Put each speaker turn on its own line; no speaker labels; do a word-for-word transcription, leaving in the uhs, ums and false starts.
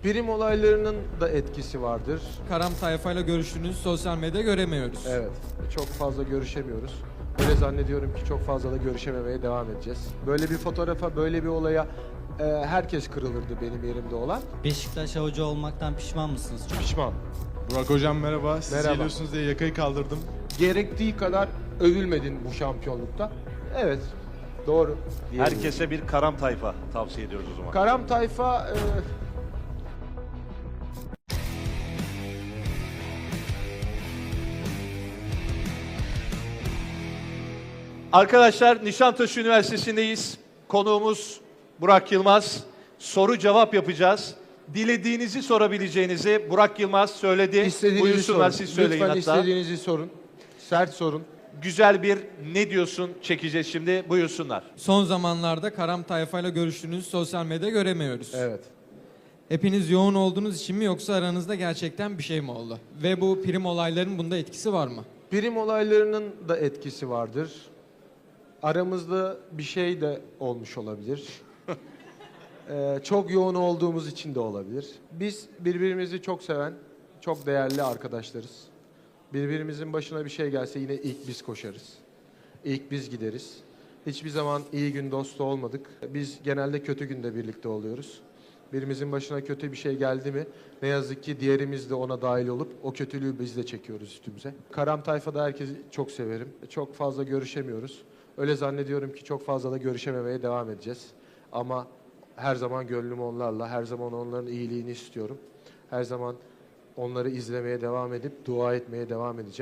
Prim olaylarının da etkisi vardır.
Karam tayfayla görüştüğünüzü sosyal medyada göremiyoruz.
Evet, çok fazla görüşemiyoruz. Öyle zannediyorum ki çok fazla da görüşememeye devam edeceğiz. Böyle bir fotoğrafa, böyle bir olaya e, herkes kırılırdı benim yerimde olan.
Beşiktaş hoca olmaktan pişman mısınız?
Pişman.
Burak hocam merhaba. Siz
Merhaba.
geliyorsunuz diye yakayı kaldırdım.
Gerektiği kadar övülmedin bu şampiyonlukta. Evet, doğru. diyebilirim.
Herkese bir karam tayfa tavsiye ediyoruz o zaman.
Karam tayfa... e,
Arkadaşlar Nişantaşı Üniversitesi'ndeyiz. Konuğumuz Burak Yılmaz. Soru cevap yapacağız. Dilediğinizi sorabileceğinizi Burak Yılmaz söyledi.
istediğinizi
Buyursunlar
sorun.
siz söyleyin
Lütfen
hatta.
istediğinizi sorun. Sert sorun.
Güzel bir ne diyorsun çekeceğiz şimdi. Buyursunlar.
Son zamanlarda Karam tayfayla görüştüğünüzü sosyal medyada göremiyoruz.
Evet.
Hepiniz yoğun olduğunuz için mi yoksa aranızda gerçekten bir şey mi oldu? Ve bu prim olaylarının bunda etkisi var mı?
Prim olaylarının da etkisi vardır. Aramızda bir şey de olmuş olabilir. Ee, çok yoğun olduğumuz için de olabilir. Biz birbirimizi çok seven, çok değerli arkadaşlarız. Birbirimizin başına bir şey gelse yine ilk biz koşarız. İlk biz gideriz. Hiçbir zaman iyi gün dostu olmadık. Biz genelde kötü günde birlikte oluyoruz. Birimizin başına kötü bir şey geldi mi ne yazık ki diğerimiz de ona dahil olup o kötülüğü biz de çekiyoruz üstümüze. Karam tayfada herkesi çok severim. Çok fazla görüşemiyoruz. Öyle zannediyorum ki çok fazla da görüşememeye devam edeceğiz. Ama her zaman gönlüm onlarla, her zaman onların iyiliğini istiyorum. Her zaman onları izlemeye devam edip dua etmeye devam edeceğim.